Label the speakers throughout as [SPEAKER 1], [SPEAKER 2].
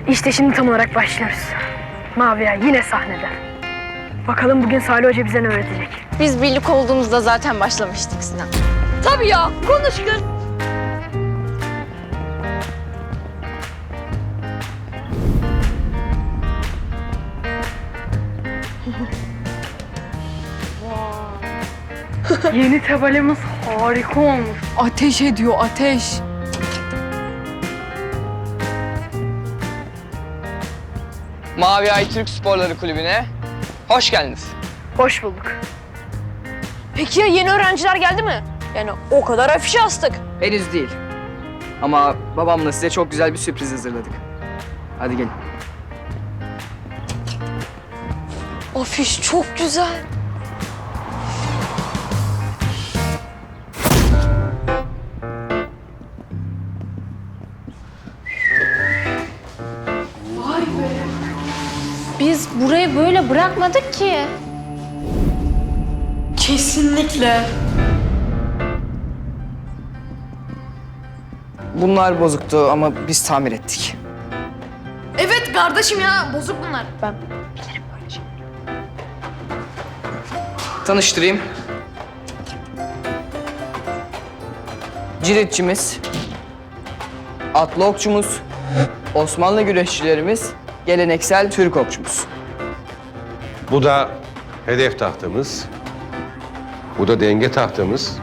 [SPEAKER 1] İşte şimdi tam olarak başlıyoruz. Mavi Ay yine sahnede. Bakalım bugün Salih Hoca bize ne öğretecek?
[SPEAKER 2] Biz birlik olduğumuzda zaten başlamıştık Sinan.
[SPEAKER 1] Tabii ya, konuş kız. Yeni tabelimiz harika olmuş.
[SPEAKER 3] Ateş ediyor, ateş.
[SPEAKER 4] Mavi Ay Türk Sporları Kulübü'ne hoş geldiniz.
[SPEAKER 1] Hoş bulduk.
[SPEAKER 2] Peki ya yeni öğrenciler geldi mi? Yani o kadar afişe astık.
[SPEAKER 4] Henüz değil. Ama babamla size çok güzel bir sürpriz hazırladık. Hadi gelin.
[SPEAKER 2] Afiş çok güzel. Biz burayı böyle bırakmadık ki.
[SPEAKER 3] Kesinlikle.
[SPEAKER 4] Bunlar bozuktu ama biz tamir ettik.
[SPEAKER 3] Evet kardeşim ya, bozuk bunlar.
[SPEAKER 4] Tanıştırayım. Ciritçimiz, atlı okçumuz, Osmanlı güreşçilerimiz, geleneksel Türk okçumuz.
[SPEAKER 5] Bu da hedef tahtamız. Bu da denge tahtamız.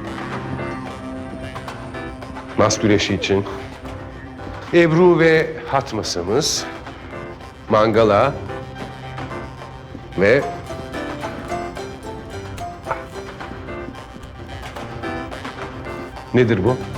[SPEAKER 5] Mas güreşi için. Ebru ve hat masamız. Mangala. Ve nedir bu?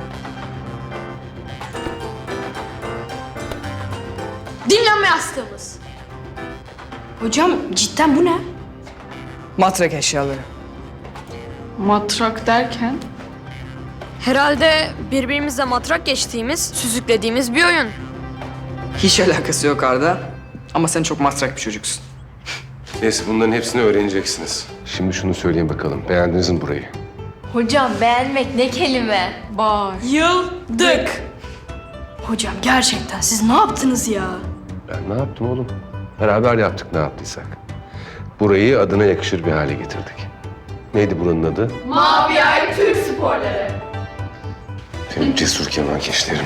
[SPEAKER 3] Dinlenme yastığımız. Hocam cidden bu ne?
[SPEAKER 4] Matrak eşyaları.
[SPEAKER 3] Matrak derken?
[SPEAKER 2] Herhalde birbirimizle matrak geçtiğimiz, süzüklediğimiz bir oyun.
[SPEAKER 4] Hiç alakası yok Arda. Ama sen çok matrak bir çocuksun.
[SPEAKER 5] Neyse bunların hepsini öğreneceksiniz. Şimdi şunu söyleyin bakalım. Beğendiniz mi burayı?
[SPEAKER 6] Hocam beğenmek ne kelime?
[SPEAKER 3] Bayıldık. Hocam gerçekten siz ne yaptınız ya?
[SPEAKER 5] Ben ne yaptım oğlum? Beraber yaptık ne yaptıysak. Burayı adına yakışır bir hale getirdik. Neydi buranın adı?
[SPEAKER 6] Mavi Ay Türk Sporları.
[SPEAKER 5] Benim cesur kemankeşlerim.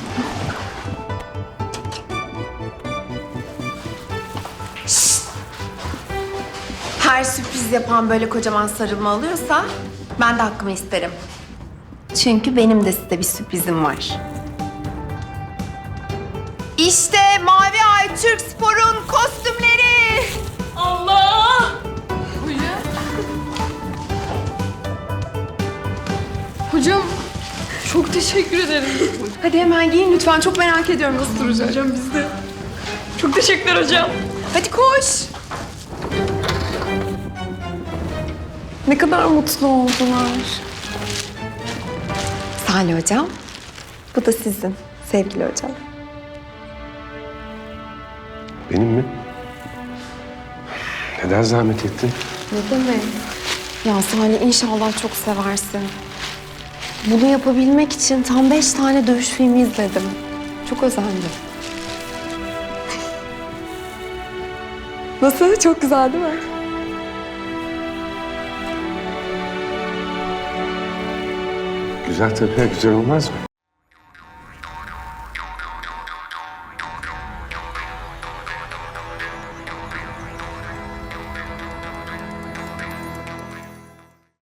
[SPEAKER 6] Her sürpriz yapan böyle kocaman sarılma alıyorsa ben de hakkımı isterim. Çünkü benim de size bir sürprizim var. İşte Mavi Ay Türk Spor'un kostümleri.
[SPEAKER 3] Allah! Hocam çok teşekkür ederim.
[SPEAKER 6] Hadi hemen giyin lütfen. Çok merak ediyorum nasıl duracak.
[SPEAKER 3] Hocam biz de. Çok teşekkürler hocam.
[SPEAKER 6] Hadi koş. Ne kadar mutlu oldular. Salih hocam, bu da sizin sevgili hocam.
[SPEAKER 5] Benim mi? Neden zahmet ettin?
[SPEAKER 6] Ne demek? Ya Salih inşallah çok seversin. Bunu yapabilmek için tam 5 tane dövüş filmi izledim. Çok özendim. Nasıl? Çok güzel değil mi?
[SPEAKER 5] Güzel tabii, güzel olmaz mı?